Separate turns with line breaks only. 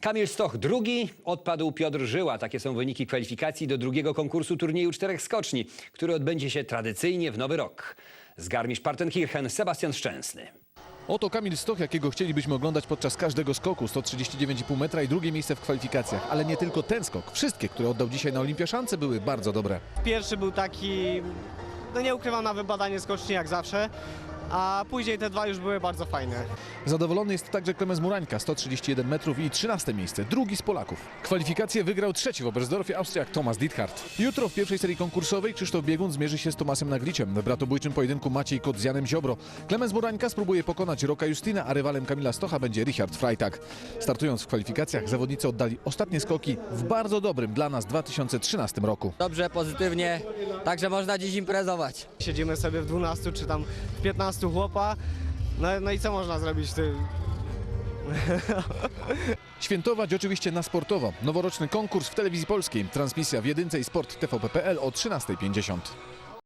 Kamil Stoch drugi, odpadł Piotr Żyła. Takie są wyniki kwalifikacji do drugiego konkursu turnieju 4 skoczni, który odbędzie się tradycyjnie w Nowy Rok. Z Garmisch-Partenkirchen Sebastian Szczęsny.
Oto Kamil Stoch, jakiego chcielibyśmy oglądać podczas każdego skoku. 139,5 metra i drugie miejsce w kwalifikacjach. Ale nie tylko ten skok. Wszystkie, które oddał dzisiaj na Olimpiaszance, były bardzo dobre.
Pierwszy był taki, no nie ukrywam, na wybadanie skoczni jak zawsze, a później te dwa już były bardzo fajne.
Zadowolony jest także Klemens Murańka, 131 metrów i 13 miejsce, drugi z Polaków. Kwalifikacje wygrał trzeci w Oberstdorfie Austriak Thomas Diethard. Jutro w pierwszej serii konkursowej Krzysztof Biegun zmierzy się z Tomasem Nagliciem. W bratobójczym pojedynku Maciej Kot z Janem Ziobro. Klemens Murańka spróbuje pokonać Roka Justina, a rywalem Kamila Stocha będzie Richard Freitag. Startując w kwalifikacjach, zawodnicy oddali ostatnie skoki w bardzo dobrym dla nas 2013 roku.
Dobrze, pozytywnie, także można dziś imprezować.
Siedzimy sobie w 12 czy tam w 15 chłopa, no i co można zrobić?
Świętować oczywiście na sportowo. Noworoczny konkurs w telewizji polskiej. Transmisja w Jedynce i Sport TVP.pl o 13:50.